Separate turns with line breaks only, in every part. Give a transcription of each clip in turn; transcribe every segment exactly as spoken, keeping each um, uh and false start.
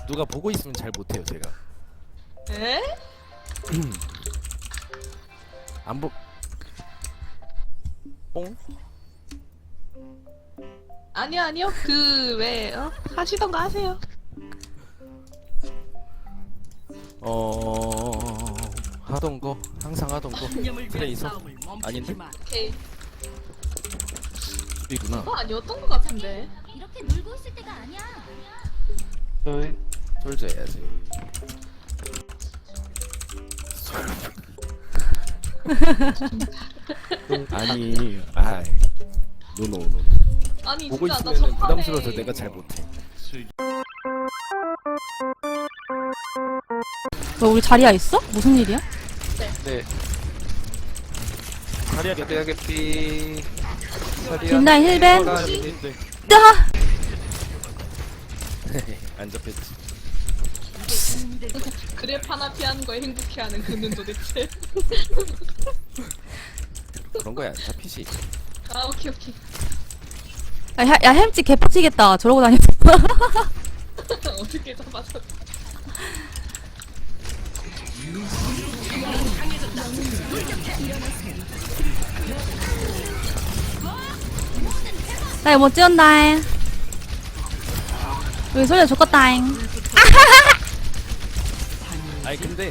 누가 보고 있으면 잘 못해요 제가.
에?
안 보. 뽕?
아니요 아니요 그 왜 어? 하시던 거 하세요.
어 하던 거 항상 하던 거 트레이서 아닌데?
오케이.
수비구나.
그거 아니었던 거 같은데.
이렇게 놀고 있을 때가 아니야.
네.
솔져 해야지. 아니, 아이, 노노노.
아니
보고
진짜 나
있으면
전판에
부담스러워서 내가 잘 못해.
뭐 우리 자리야 있어? 무슨 일이야?
네.
자리야
자리야 개피.
뒷라인 힐벤.
아,
뜨하!
안 잡혔지.
그랩 하나 피하는 거에 행복해하는 그는 도대체.
그런 거야 안 잡히지.
아 오케이 오케이.
야, 야, 야 햄찌 개빡치겠다. 저러고 다녔어.
어떻게 잡아서?
나 이거 못 지원다잉. 여기 소리가 좋겠다잉.
아니 근데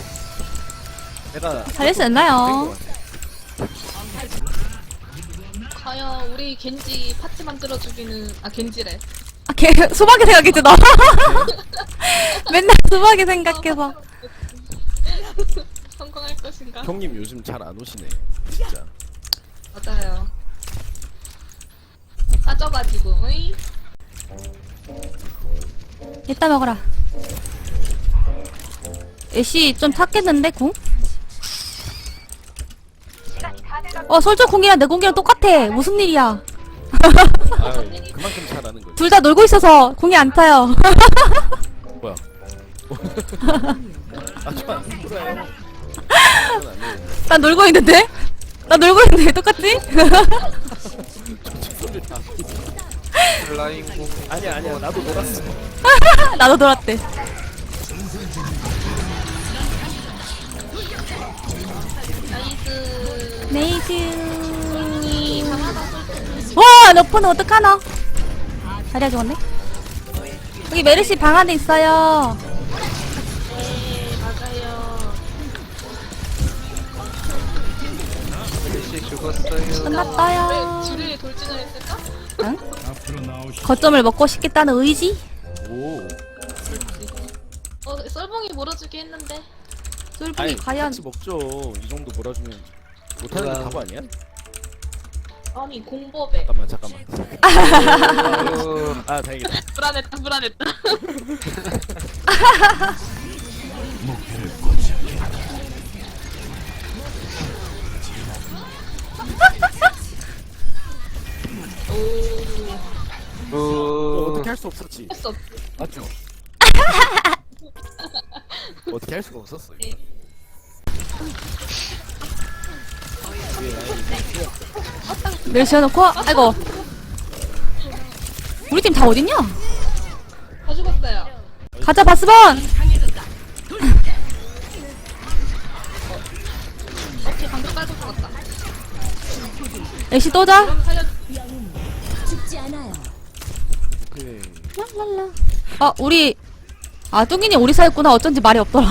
내가
잘할 수 있나요?
과연 우리 겐지 파티 만들어주기는 아 겐지래.
아, 걔 수박이 생각했지 너. 맨날 수박이 생각해서.
성공할 것인가?
형님 요즘 잘 안 오시네. 진짜.
맞아요. 빠져가지고. 으이.
이따 먹어라. 애쉬 좀 탔겠는데 궁? 어 솔저 궁이랑 내 궁이랑 똑같아. 무슨 일이야?
아유, 그만큼 잘하는 거지.
둘 다 놀고 있어서 궁이 안 타요.
뭐야? 아 좋아. 그래.
나 놀고 있는데? 나 놀고 있는데 왜 똑같지?
라인 공.
아니야 아니야 나도 놀았어.
나도 놀았대.
나이스.
네이즈. 와, 너프는 어떡하나? 자리야 좋은데? 여기 메르시 방 안에 있어요.
네 맞아요.
멜시 죽었어요.
끝났어요.
왜 줄에 돌진을 했을까?
응? 거점을 먹고 싶겠다는 의지?
오.
어 썰봉이 몰아주기 했는데.
솔분이
아니
과연
같이 먹죠. 이 정도 몰아주면 못하는 게
그럼.
바보 아니야?
아니 공법에.
잠깐만 잠깐만.
아유.
아 다행이다.
불안했다 불안했다. 오.
어,
우.
어떻게 할 수 없었지.
했어.
맞죠? 어떻게 할 수가 없었어. 이거.
메르시 해놓고 아이고 우리 팀 다 어딨냐?
다 죽었어요.
가자 바스본!
오케이 방금 깔고 죽었다.
애쉬 또자?
그럼 살려.
오케이.
랄랄라. 아 우리 아 뚱이니 우리 사이였구나. 어쩐지 말이 없더라.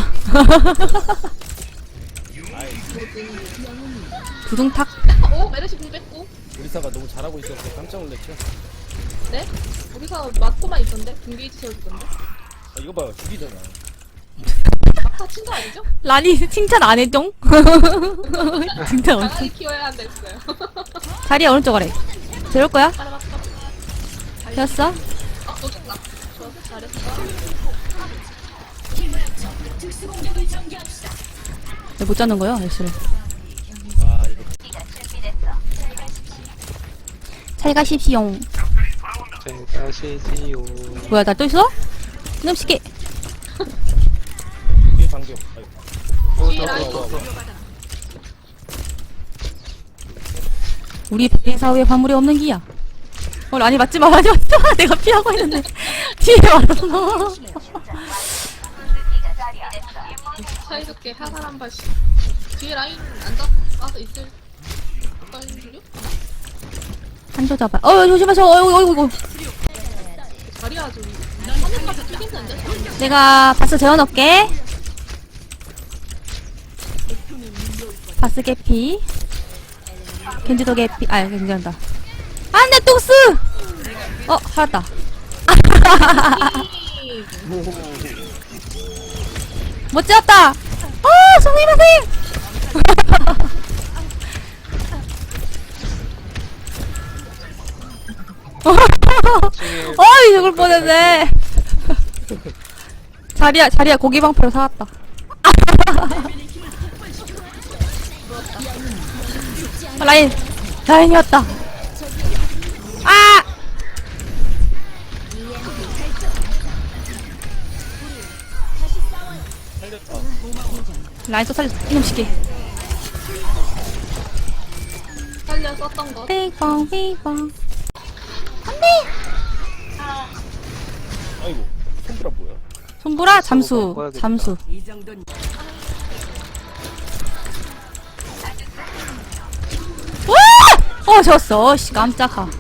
두둥탁.
오 메르시 공 뺐고.
우리사가 너무 잘하고 있어서 깜짝 놀랐죠.
네? 우리가 맞고만 있던데? 등게이지 세워주던데?
아 이거 봐요 죽이잖아.
막타 친 거 아니죠?
라니 칭찬 안 해종? 칭찬 엄청.
강하게 키워야 한다 했어요.
자리야 오른쪽 아래. 들을 거야?
따라봤어.
되었어?
어, 너 죽나? 좋았어, 잘했어.
왜 못 잡는 거야, 애쉬를?
아 이거
잘 가십시오.
잘 가시지요.
뭐야, 나 또 있어? 이놈 시키.
뒤에 방금. 아이고.
오,
뒤에
더,
라인.
더, 더, 더.
우리 배사 후에 화물이 없는 기야. 어, 아니 맞지 마, 맞지 마. 내가 피하고 있는데 뒤에 왔어.
사이좋게 하나 한 발씩. 뒤에 라인 앉아 빠져 있을 걸요?
한조 잡아. 어 조심하세요. 어이구 어이구 어이구.
자리야 저기. 화면까지 튀긴는데?
내가 바스 재워놓을게. 바스 개피. 겐지도 개피. 아 괜찮다. 안돼 똥스. 어 살았다. 못 지었다. 어 송이마생. 어이 죽을 뻔했네. 자리야 자리야 고기 방패로 사왔다. 어, 라인 라인이었다. 아 라인 또 살렸어 이놈시키.
살려 썼던 거.
삐뽕 삐뽕.
아이고 손브라 뭐야?
손보라 잠수 잠수. 와! 어 졌어. 씨 깜짝아.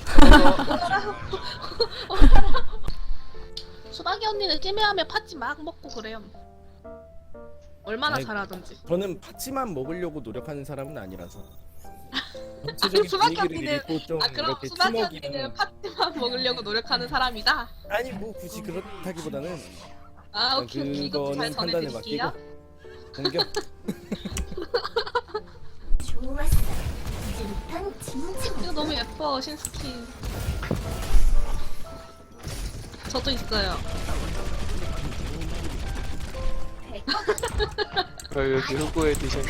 수박이 언니는 찜해하면 팥찌 막 먹고 그래요. 얼마나
아이고.
잘하던지.
저는 팥찌만 먹으려고 노력하는 사람은 아니라서.
그럼
전체적인
수박이
분위기를
언니는
읽고 좀
아 그럼
이렇게
수박이
팀워크는-
언니는 팥찌만 먹으려고 노력하는 사람이다.
아니 뭐 굳이 그렇다기보다는
아 오케이 오케이 이것도 잘
그거는 판단에
전해드릴게요.
맡기고 공격.
좋았어. 이제부턴 진짜
이거 너무 예뻐 신스킨. 저도 있어요.
어, 여기 후보 에디션.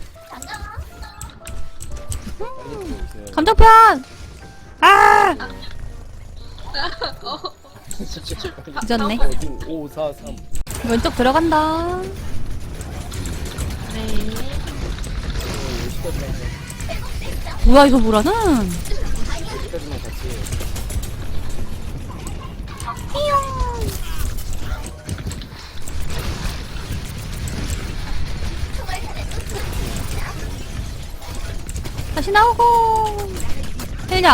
빨리 들어오세요.
감정편. 아
어,
늦었네.
어디 오, 사, 삼.
왼쪽 들어간다.
네.
여기까지만 해.
뭐야 이거 뭐라는?
여기까지만 같이 해.
다시 나오고. 힐냐.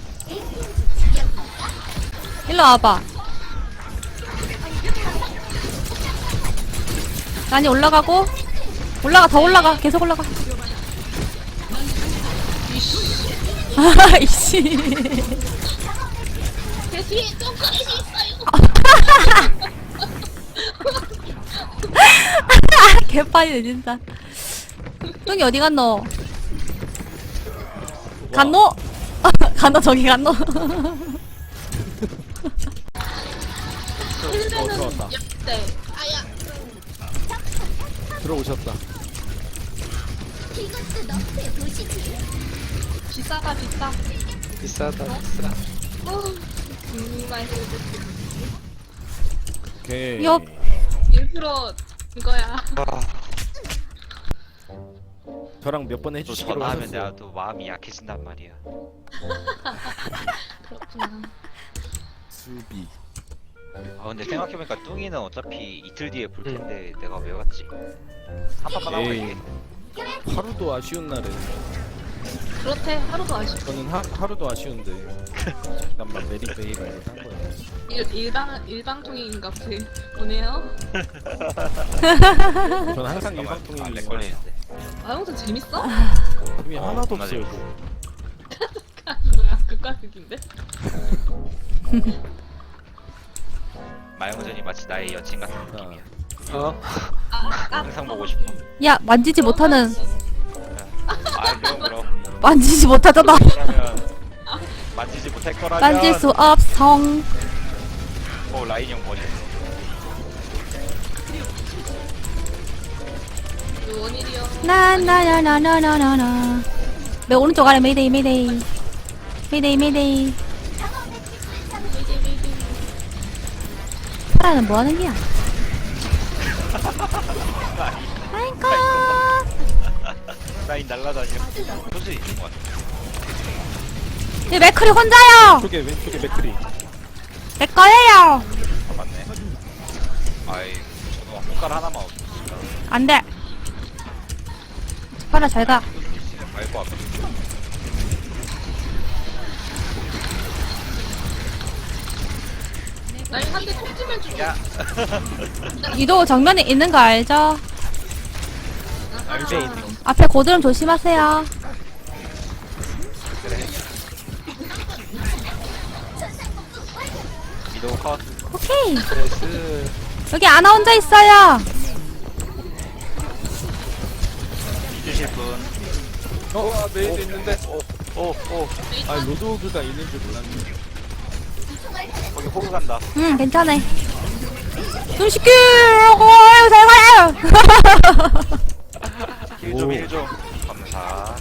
일로 와봐. 많이 올라가고. 올라가 더 올라가. 계속 올라가. 아 이씨.
제 뒤에 점프레이 있어요.
개판이네 진짜. 똥이 어디 갔노? 갔노? 갔노 저기 갔노?
어, 들어왔다.
네. 아야.
들어오셨다.
이것도 너의 도시지.
비싸다 비싸.
비싸다 비싸.
어, 정말
오케이.
옆.
일부러 이거야.
아,
저랑 몇 번
또
해주시기로
전화하면
하셨어요.
내가 또 마음이 약해진단 말이야.
그렇구나.
수비.
아 근데 생각해보니까 뚱이는 어차피 이틀 뒤에 볼 텐데 내가 왜 왔지? 한 판만 하고
에이.
갈게.
하루도 아쉬운 날은
그렇대 하루도 아쉬워.
저는 하, 하루도 아쉬운데 잠깐만 메리베이가 이거 딴 거야.
일, 일방 일방통행인가 보네요.
저는 항상
아,
일방통행이에요.
렉 걸리는데.
아 형도 재밌어?
힘이
어,
하나도
겁나
없어요.
재밌어.
뭐야 극과극인데?
마영전이 마치 나의 여친 같은 느낌이야.
어?
항상 보고 싶어.
야 만지지 못하는
아 그럼 그럼.
만지지 못하잖아.
그러면 만지지 못할 거라면.
만질 수 없어.
어 라인 형 머리.
원일이요.
나나나나나나나. 내 오른쪽 아래 메이데이 메이데이. 메이데이 메이데이. 파라는 뭐 하는 게야? 아이고.
라인 날라다녀. 소수 있는 것 같아.
이 맥클이 혼자요.
왼쪽에 왼쪽에 맥크리.
내 거예요.
아 맞네. 아이 저는 어, 손가락 하나만 없어.
안돼. 파라 잘가.
알고 왔거든.
라인 한대 톡지면 주고.
야,
유도 정면에 있는 거 알죠?
알지?
앞에 고드름 조심하세요.
그래. 미도 컷.
오케이.
나이스.
여기 아나 혼자 있어요.
주실 분.
어, 메이드 있는데.
오, 오.
아 로드오그가 있는 줄 몰랐네.
거기 호그 간다.
응, 괜찮아. 눈 시키. 어이구 잘 가요.
힐 좀, 힐 좀. 감사.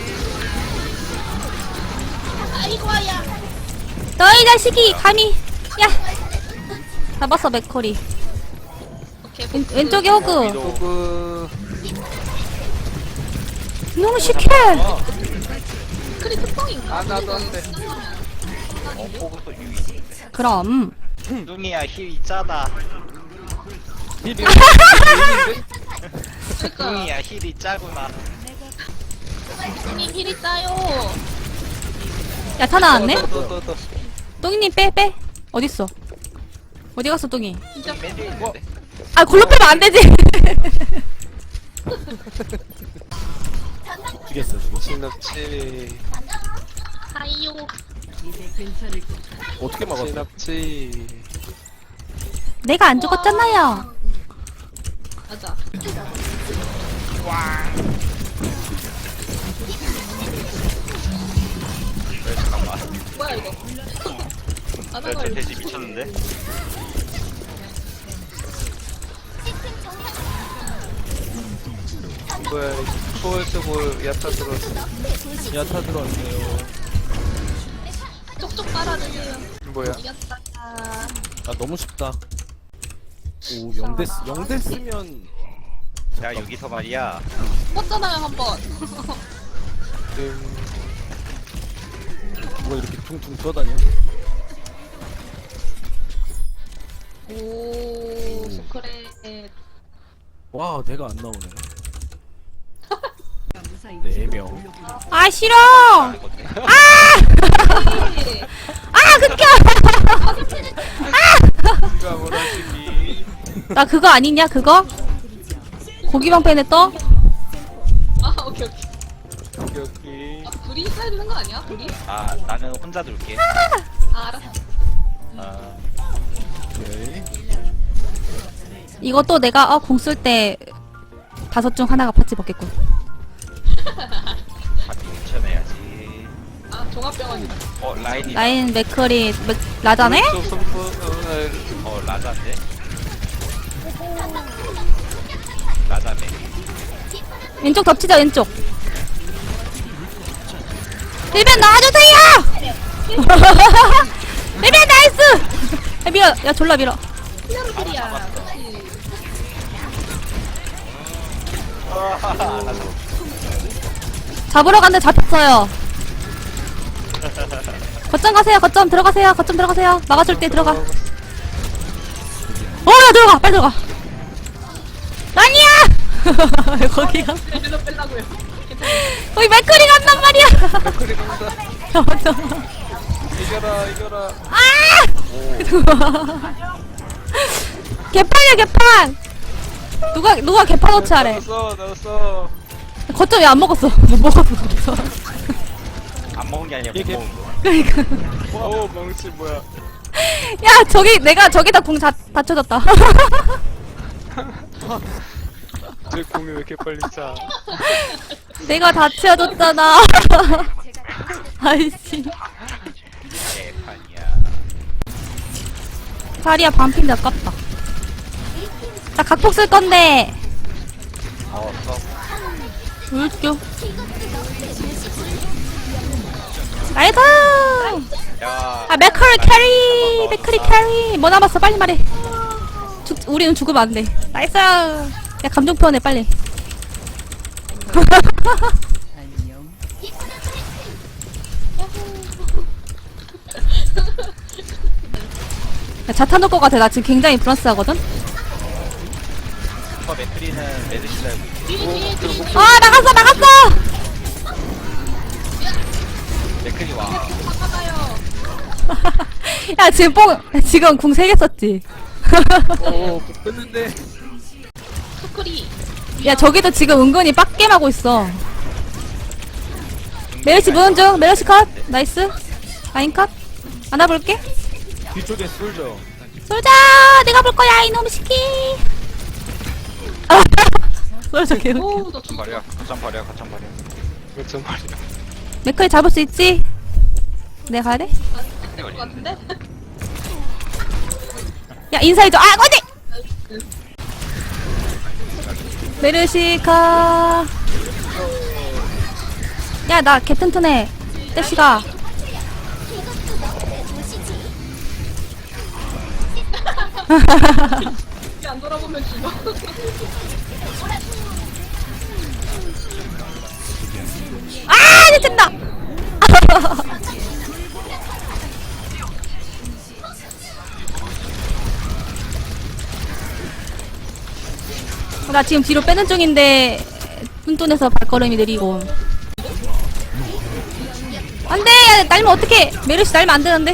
아이고야.
너희 자식이 감히. 야. 잡았어 맥커리.
오케이.
왼, 왼쪽에 호그.
호그.
눈 시키.
크리 특성인가?
아, 나도 안 돼.
어, 호그 또 유이 있는데.
그럼.
뚱이야, 힐이 짜다.
힐이
그러니까
뚱이야, 힐이 짜구나.
님 힐이 짜요.
야타 나왔네?
또, 또, 또, 또.
똥이님 빼 빼. 어딨어? 어디 갔어 똥이?
진짜
맨 뒤에 있는데.
아 골로 빼면 안 되지.
죽였어 죽였어.
진압치.
하이요.
어떻게 막았어?
진압치.
내가 안 죽었잖아요.
맞아.
왜, 잠깐만.
뭐야 이거? 안
왜,
나가
돼, 돼지 미쳤는데?
뭐야, 초월 쓰고 야타 들어왔어.
야타 들어왔어요.
쪽쪽 빨아주세요.
뭐야.
이겼다.
아 너무 쉽다. 오 영대 쓰- 영대 쓰면
야, 여기서 말이야.
뽑잖아요 한번.
음,
뭐가 이렇게 퉁퉁 떠다녀?
오 스크렛.
와 내가 안 나오네. 네 명.
아 싫어.
이거든.
아 극혐.
누가 원하시기.
나 그거 아니냐 그거? 고기방패네 떠?
아 오케이 오케이.
여기.
아 불이 있어야 되는 거 아니야? 불이?
아, 나는 혼자 둘게.
아 알았어.
아,
오케이.
이거 또 내가 어, 공 쓸 때 다섯 중 하나가 파츠 먹겠군.
바퀴 붙여내야지.
아 종합병원이다.
어, 라인이.
라인 맥커리 맥, 라자네?
또 선포, 어,
어, 라자인데? 라자네.
왼쪽 덮치자 왼쪽. 일변 나와주세요. 일변 나이스. 야 밀어. 야 졸라 밀어.
히어로들이야.
잡으러 갔는데 잡혔어요. 거점 가세요. 거점 들어가세요. 거점 들어가세요. 막아줄 때 들어가. 어, 야 들어가. 빨리 들어가. 아니야. 거기가
일로 빼려고요.
거기 맥커리 간단 말이야.
맥클이 간다.
야, 맞아.
이겨라, 이겨라.
아! 개판이야 개판. 누가 누가 개판 어치 하래.
나왔어, 나왔어.
거점 왜 안 먹었어? 못 먹었어. 거점.
안 먹은 게 아니라 못
이게-
먹은 거.
그러니까.
오, 멍치 뭐야.
야 저기 내가 저기다 공 다 다쳐졌다.
저 공이 왜 이렇게 빨리 차?
내가 다 치워줬잖아. 아이씨.
개판이야.
자리야 반핀데 아깝다. 나 각폭 쓸 건데.
어, 써.
울죠. 나이스.
야.
아 맥커리 캐리. 맥커리 캐리. 뭐 남았어? 빨리 말해. 죽, 우리는 죽으면 안 돼. 나이스. 야 감정 표현해 빨리. 야, 자타 놓을 것 같아. 나 지금 굉장히 불안스하거든.
리퍼 맥크리는 메르시 달고 있고.
뒤에 뒤에 뒤에.
아 나갔어 나갔어.
맥크리 와.
나가요.
야 지금 뽕 지금 궁 세 개 썼지.
오 뺐는데.
토크리.
야 저기도 지금 은근히 빡겜하고 있어. 메르시 무는 중. 메르시 컷. 나이스. 라인 컷. 안아볼게.
뒤쪽에 쏠죠.
솔자 내가 볼 거야 이놈 시키. 솔자 개웃.
오우 나
거점
죽었어.
버려. 거점 버려. 거점 버려.
어쩜 말이야.
맥클 잡을 수 있지? 내가 가야 돼?
될것 같은데?
야 인사해줘. 아 어디? 메르시카. 야 나 개 튼튼해. 떼시가.
이제 안 돌아보면 죽어.
아 이제 된다. 나 지금 뒤로 빼는 중인데 뚠뚠해서 발걸음이 느리고. 안돼 날면 어떡해. 메르시 날면 안 되는데.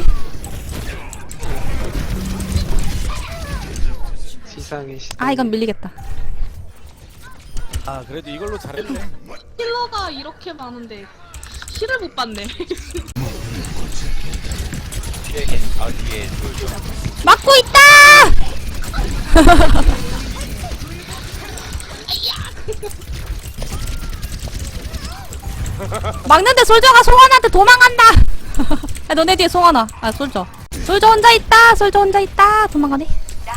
시상의 시.
아 이건 밀리겠다.
아 그래도 이걸로 잘했네.
힐러가 이렇게 많은데 힐을 못 받네.
뒤에 겐- 아 뒤에 솔져.
막고 있다. 막는데 솔저가 송환한테 도망간다. 야, 너네 뒤에 송환아. 아 솔저. 솔저 혼자 있다. 솔저 혼자 있다. 도망가네.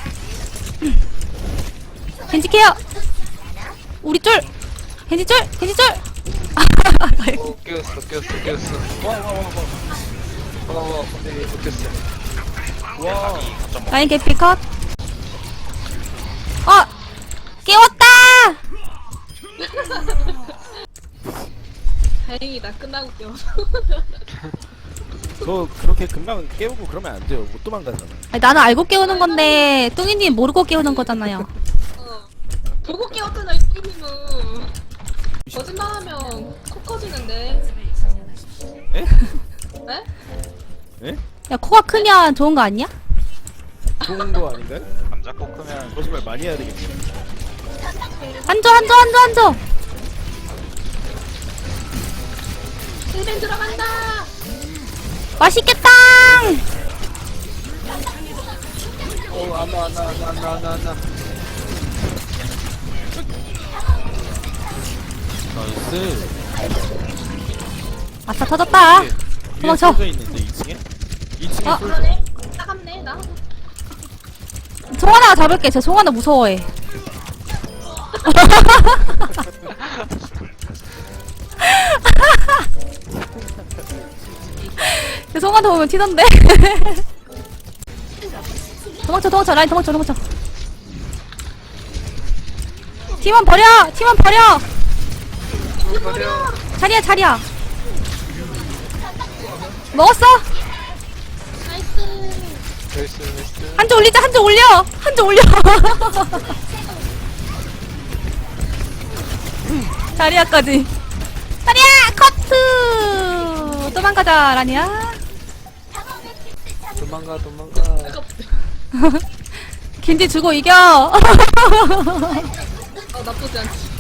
겐지 케어. 우리 쫄. 겐지 쫄. 겐지 쫄.
어, 깨웠어, 깨웠어, 깨웠어. 와, 와, 와, 와. 와, 와, 네, 못했어.
와.
거점 먹.
라인 개피 컷. 어 깨웠다.
다행이다 끝나고 깨워서.
너 그렇게 금방 깨우고 그러면 안 돼요. 못 도망가잖아.
아니, 나는 알고 깨우는 건데 뚱이님 모르고 깨우는 거잖아요.
어. 보고 깨웠잖아 이 게임은. 거짓말하면 코 커지는데.
에?
네?
에?
야 코가 크면 좋은 거 아니야?
좋은 거 아닌가요?
감자 꼭 크면
거짓말 많이 해야 되겠네.
앉아 앉아 앉아 앉아.
힐벤 들어간다.
맛있겠다.
어, 안나, 안나, 안나, 안나, 안나, 안나.
나이스.
아싸 터졌다.
위에
도망쳐.
쏠져 있는데 이 층에? 이 층에
어?
쏠져.
그러네. 따갑네 나.
송하나가 잡을게. 제 송하나 무서워해. 제 송하나 보면 튀던데. 도망쳐 도망쳐 라인 도망쳐 도망쳐. 팀원 버려 팀원 버려.
버려.
자리야 자리야. 먹었어?
나이스.
나이스, 나이스.
한 줄 올리자 한 줄 올려 한 줄 올려. 자리야까지. 자리야 커트. 도망가자 라니야.
도망가, 도망가.
겐지 주고 이겨.
어 나쁘지 않지.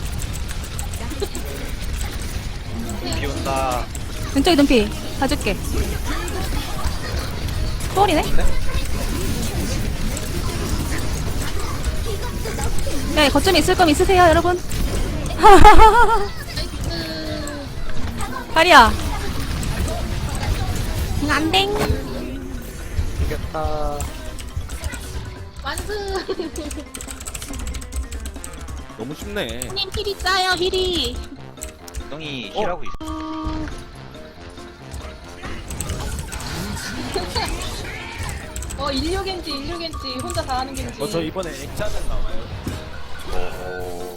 비 온다.
왼쪽에 눈피 봐줄게. 초월이네. 네 거점에 있을 거면 있으세요 여러분. 다리야. 안댕.
이겼다.
완승.
너무 쉽네.
님 힐이 짜요 힐이.
똥이 힐하고 있어.
어 인류겐지 인류겐지 혼자 다 하는 겐지.
어 저 이번에 액자는 나와요.
오.